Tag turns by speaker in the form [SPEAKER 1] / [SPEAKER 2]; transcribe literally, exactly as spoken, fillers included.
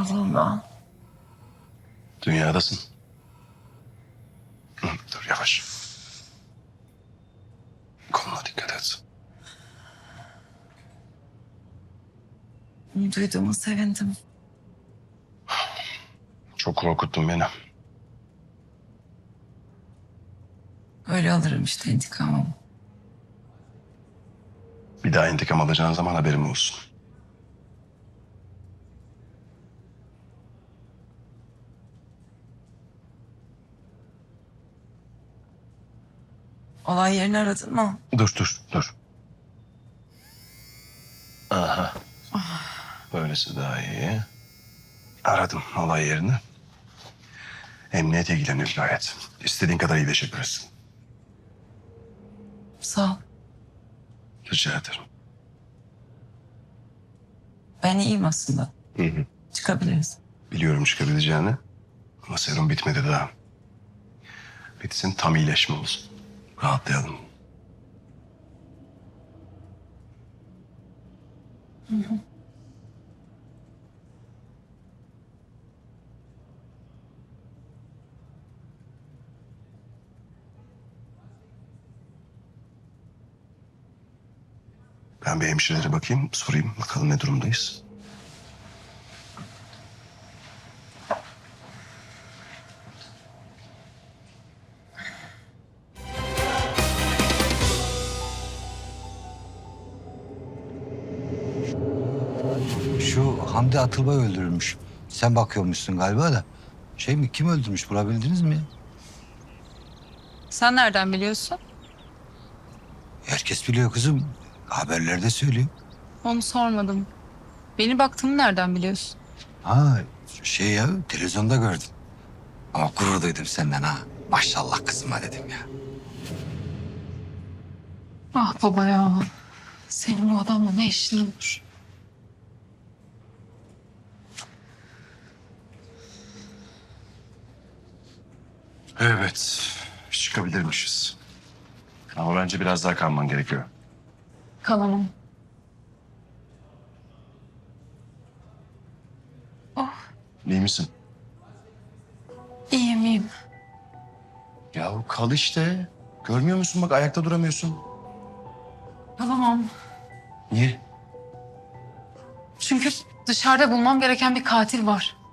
[SPEAKER 1] Allah Allah.
[SPEAKER 2] Dünyadasın. Hı, dur yavaş. Koluna dikkat et.
[SPEAKER 1] Bunu duyduğuma sevindim.
[SPEAKER 2] Çok korkuttun beni.
[SPEAKER 1] Öyle alırım işte intikamımı.
[SPEAKER 2] Bir daha intikam alacağın zaman haberim olsun.
[SPEAKER 1] Olay yerini aradın mı?
[SPEAKER 2] Dur dur dur. Aha. Böylesi daha iyi. Aradım olay yerini. Emniyet ilgileniyor gayet. İstediğin kadar iyileşebilirsin.
[SPEAKER 1] Sağ ol.
[SPEAKER 2] Rica ederim.
[SPEAKER 1] Ben iyiyim aslında.
[SPEAKER 2] Hı hı.
[SPEAKER 1] Çıkabiliriz.
[SPEAKER 2] Biliyorum çıkabileceğini. Ama serum bitmedi daha. Bitsin tam iyileşme olsun. Rahatlayalım. Ben bir hemşirelere bakayım, sorayım. Bakalım ne durumdayız.
[SPEAKER 3] Şu Hamdi Atılbay öldürülmüş. Sen bakıyormuşsun galiba da. Şey mi, kim öldürmüş, bulabildiniz mi ya?
[SPEAKER 4] Sen nereden biliyorsun?
[SPEAKER 3] Herkes biliyor kızım. Haberlerde söylüyor.
[SPEAKER 4] Onu sormadım. Beni baktığını nereden biliyorsun?
[SPEAKER 3] Ha şey ya, televizyonda gördüm. Ama gurur duydum senden ha. Maşallah kızıma dedim ya.
[SPEAKER 4] Ah baba ya. Senin bu adamla ne işin olur?
[SPEAKER 2] Evet, çıkabilirmişiz. Ama bence biraz daha kalman gerekiyor.
[SPEAKER 4] Kalamam.
[SPEAKER 2] İyi misin?
[SPEAKER 4] İyiyim iyiyim.
[SPEAKER 2] Ya kal işte. Görmüyor musun bak ayakta duramıyorsun.
[SPEAKER 4] Kalamam.
[SPEAKER 2] Niye?
[SPEAKER 4] Çünkü dışarıda bulmam gereken bir katil var.